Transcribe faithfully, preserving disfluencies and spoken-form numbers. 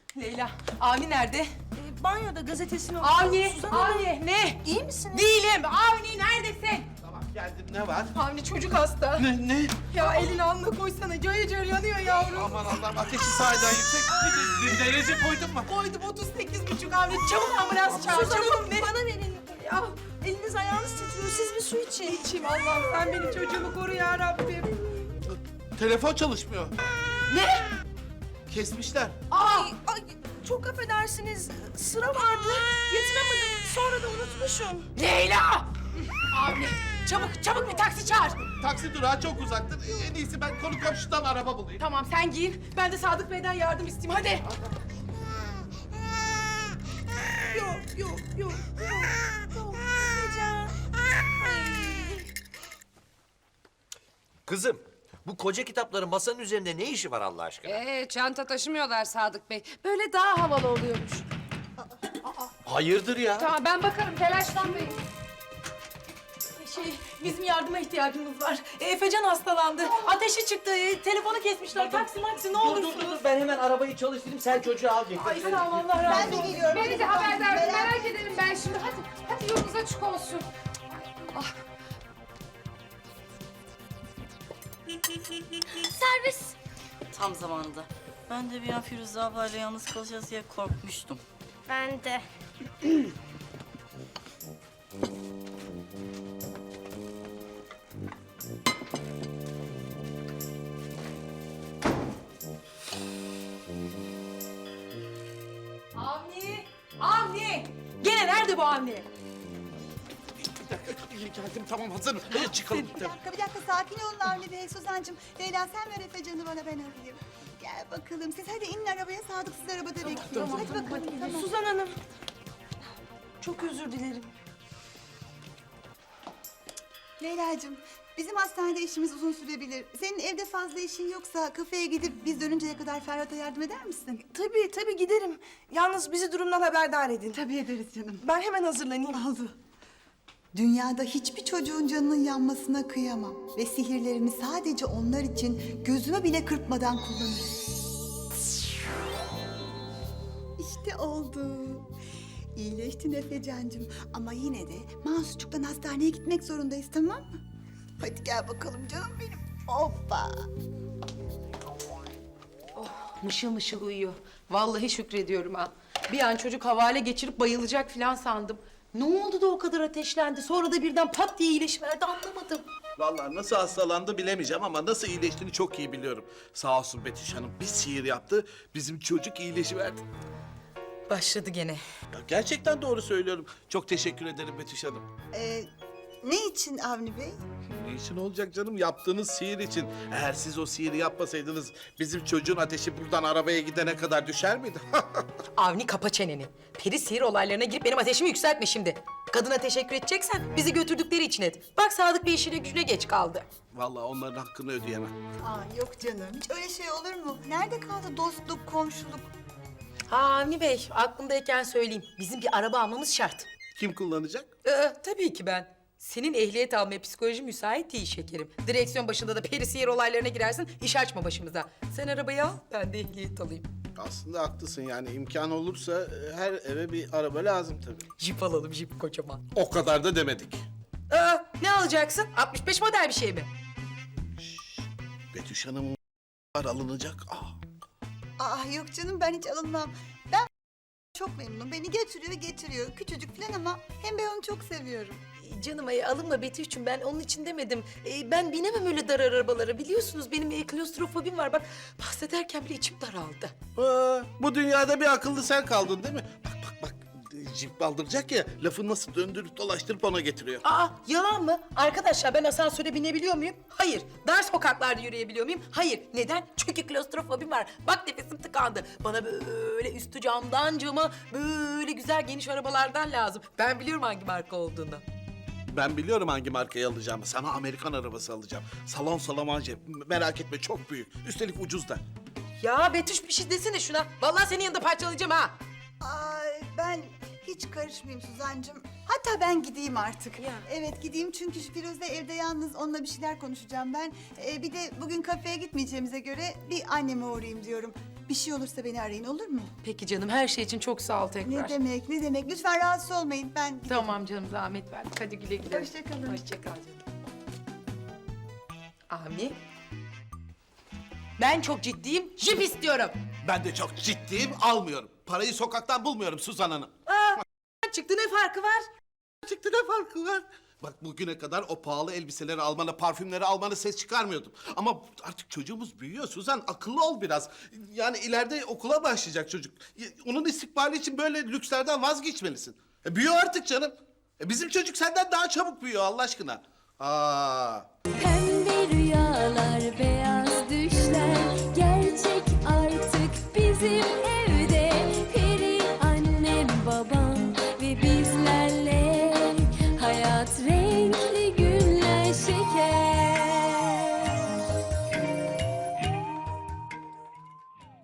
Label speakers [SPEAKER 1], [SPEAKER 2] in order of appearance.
[SPEAKER 1] Leyla, Avni nerede?
[SPEAKER 2] Ee, banyoda gazetesini okuyor.
[SPEAKER 1] Avni,
[SPEAKER 2] Suzan Hanım,
[SPEAKER 1] Avni ne?
[SPEAKER 2] İyi misiniz?
[SPEAKER 1] Değilim. Avni neredesin?
[SPEAKER 3] Tamam geldim, ne var?
[SPEAKER 1] Avni çocuk hasta.
[SPEAKER 3] Ne ne?
[SPEAKER 1] Ya elini alnına koysana. Cayır cayır yanıyor yavrum.
[SPEAKER 3] Aman Allah'ım, ateşi sahiden yüksek. Bir de derece koydun mu?
[SPEAKER 1] Koydum otuz sekiz buçuk Avni. Çabuk ambulans çağır.
[SPEAKER 2] Suzan
[SPEAKER 1] Çabuk
[SPEAKER 2] Hanım
[SPEAKER 1] ne?
[SPEAKER 2] bana verin. Ya eliniz ayağınız titriyor. Siz bir su için.
[SPEAKER 1] İçim Allah'ım sen benim çocuğumu koru ya Rabbim.
[SPEAKER 3] Telefon çalışmıyor.
[SPEAKER 1] Ne?
[SPEAKER 3] Kesmişler.
[SPEAKER 1] Aa!
[SPEAKER 2] Ay, ay, çok affedersiniz. Sıra vardı. Yatıramadım. Sonra da unutmuşum.
[SPEAKER 1] Leyla! Avni çabuk çabuk bir taksi çağır.
[SPEAKER 3] Taksi durağı çok uzaktır. En iyisi ben konu komşudan araba bulayım.
[SPEAKER 1] Tamam sen giyin. Ben de Sadık Bey'den yardım isteyeyim hadi.
[SPEAKER 2] Yok, yok, yok, yok. Yok, Necan. Ay.
[SPEAKER 4] Kızım, bu koca kitapların masanın üzerinde ne işi var Allah aşkına?
[SPEAKER 5] Ee, çanta taşımıyorlar Sadık Bey. Böyle daha havalı oluyormuş.
[SPEAKER 4] Hayırdır ya?
[SPEAKER 5] Tamam ben bakarım telaşlanmayın.
[SPEAKER 1] Şey, bizim yardıma ihtiyacımız var. E, Efecan hastalandı. Ateşi çıktı. E, telefonu kesmişler. Taksi maksi ne olursunuz.
[SPEAKER 6] Ben hemen arabayı çalıştırayım, sen çocuğu al getir.
[SPEAKER 1] Ay sağ ol Allah razı olsun. Ben de geliyorum.
[SPEAKER 5] Beni de haberdar edin, merak ederim ben şimdi. Hadi, hadi yolunuz açık olsun. Ah.
[SPEAKER 7] Servis. Tam zamanında. Ben de bir an Firuze ablayla yalnız kalacağız diye korkmuştum.
[SPEAKER 8] Ben de.
[SPEAKER 1] Avni! Avni! Gene nerede bu Avni?
[SPEAKER 3] Bir dakika, geldim, tamam hazırım. Hadi çıkalım.
[SPEAKER 9] Bir dakika, bir dakika. Sakin olun Avni Bey. Suzan'cığım, Leyla sen ver Efecan'ı bana, ben alayım. Gel bakalım. Siz hadi inin arabaya. Sadık sizi arabada bekliyor. Hadi bakalım. Tamam.
[SPEAKER 2] Suzan Hanım. Çok özür dilerim.
[SPEAKER 9] Leyla'cığım, bizim hastanede işimiz uzun sürebilir. Senin evde fazla işin yoksa kafeye gidip biz dönünceye kadar Ferhat'a yardım eder misin?
[SPEAKER 2] Tabii, tabii giderim. Yalnız bizi durumdan haberdar edin.
[SPEAKER 9] Tabii ederiz canım.
[SPEAKER 2] Ben hemen hazırlanayım.
[SPEAKER 9] Oldu. Dünyada hiçbir çocuğun canının yanmasına kıyamam. Ve sihirlerimi sadece onlar için gözümü bile kırpmadan kullanırım. İşte oldu. İyileştin Efecancığım. Ama yine de Mansurcuk'tan hastaneye gitmek zorundayız, tamam mı? Hadi gel bakalım canım benim. Hoppa.
[SPEAKER 1] Mışıl mışıl uyuyor. Vallahi şükrediyorum ha. Bir an çocuk havale geçirip bayılacak falan sandım. Ne oldu da o kadar ateşlendi? Sonra da birden pat diye iyileşiverdi anlamadım.
[SPEAKER 3] Vallahi nasıl hastalandı bilemeyeceğim ama nasıl iyileştiğini çok iyi biliyorum. Sağ olsun Betüş Hanım bir sihir yaptı. Bizim çocuk iyileşiverdi.
[SPEAKER 1] Başladı gene.
[SPEAKER 3] Ya gerçekten doğru söylüyorum. Çok teşekkür ederim Betüş Hanım.
[SPEAKER 9] Ee, ne için Avni Bey?
[SPEAKER 3] Ne için olacak canım? Yaptığınız sihir için. Eğer siz o sihiri yapmasaydınız bizim çocuğun ateşi buradan arabaya gidene kadar düşer miydi?
[SPEAKER 1] Avni kapa çeneni. Peri sihir olaylarına girip benim ateşimi yükseltme şimdi. Kadına teşekkür edeceksen bizi götürdükleri için et. Bak Sadık Bey işine gücüne geç kaldı.
[SPEAKER 3] Vallahi onların hakkını ödeyemem.
[SPEAKER 9] Aa, yok canım. Hiç öyle şey olur mu? Nerede kaldı dostluk, komşuluk?
[SPEAKER 1] Ha Avni Bey aklımdayken söyleyeyim. Bizim bir araba almamız şart.
[SPEAKER 3] Kim kullanacak?
[SPEAKER 1] Ee, tabii ki ben. Senin ehliyet almaya psikoloji müsait değil şekerim. Direksiyon başında da peri sihir olaylarına girersin, iş açma başımıza. Sen arabayı al, ben de ehliyet alayım.
[SPEAKER 3] Aslında haklısın yani imkan olursa e, her eve bir araba lazım tabii.
[SPEAKER 1] Jip alalım, jip kocaman.
[SPEAKER 3] O kadar da demedik.
[SPEAKER 1] Aa, ne alacaksın? altmış beş model bir şey mi?
[SPEAKER 3] Betüş Hanım'ın var alınacak. Aa.
[SPEAKER 9] Aa, yok canım, ben hiç alınmam. Ben çok memnunum. Beni götürüyor getiriyor. Küçücük falan ama hem ben onu çok seviyorum.
[SPEAKER 1] Ee, Canım ay alınma Betüş'cüğüm, ben onun için demedim. Ee, ben binemem öyle dar arabalara, biliyorsunuz benim e, klostrofobim var. Bak bahsederken bile içim daraldı.
[SPEAKER 3] Aa, bu dünyada bir akıllı sen kaldın değil mi? Bak bak bak jip aldıracak ya lafı nasıl döndürüp dolaştırıp ona getiriyor.
[SPEAKER 1] Aa yalan mı? Arkadaşlar ben asansöre binebiliyor muyum? Hayır. Dar sokaklarda yürüyebiliyor muyum? Hayır. Neden? Çünkü klostrofobim var. Bak nefesim tıkandı. Bana böyle üstü camdan cama böyle güzel geniş arabalardan lazım. Ben biliyorum hangi marka olduğunu.
[SPEAKER 3] Ben biliyorum hangi markayı alacağımı. Sana Amerikan arabası alacağım. Salon salamanje. Merak etme çok büyük. Üstelik ucuz da.
[SPEAKER 1] Ya Betüş bir şey desene şuna. Vallahi senin yanında parçalayacağım ha.
[SPEAKER 9] Ay, ben hiç karışmayayım Suzancığım. Hatta ben gideyim artık.
[SPEAKER 1] Ya.
[SPEAKER 9] Evet gideyim çünkü Firuze evde yalnız, onunla bir şeyler konuşacağım ben. Ee, bir de bugün kafeye gitmeyeceğimize göre bir anneme uğrayayım diyorum. Bir şey olursa beni arayın, olur mu?
[SPEAKER 1] Peki canım, her şey için çok sağ ol
[SPEAKER 9] Ne
[SPEAKER 1] tekrar.
[SPEAKER 9] demek, ne demek. Lütfen rahatsız olmayın. Ben giderim.
[SPEAKER 1] Tamam canım, zahmet verdik. Hadi güle güle.
[SPEAKER 9] Hoşça kalın.
[SPEAKER 1] Hoşça kal canım. Avni. Ben çok ciddiyim, jip istiyorum.
[SPEAKER 3] Ben de çok ciddiyim, almıyorum. Parayı sokaktan bulmuyorum Suzan Hanım.
[SPEAKER 1] Çıktı, ne farkı var?
[SPEAKER 3] Çıktı ne farkı var? Bak bugüne kadar o pahalı elbiseleri almana, parfümleri almana ses çıkarmıyordum. Ama artık çocuğumuz büyüyor Suzan, akıllı ol biraz. Yani ileride okula başlayacak çocuk. Onun istikbali için böyle lükslerden vazgeçmelisin. E, büyüyor artık canım. E, bizim çocuk senden daha çabuk büyüyor Allah aşkına. Aa.
[SPEAKER 8] Pembe rüyalar, beyaz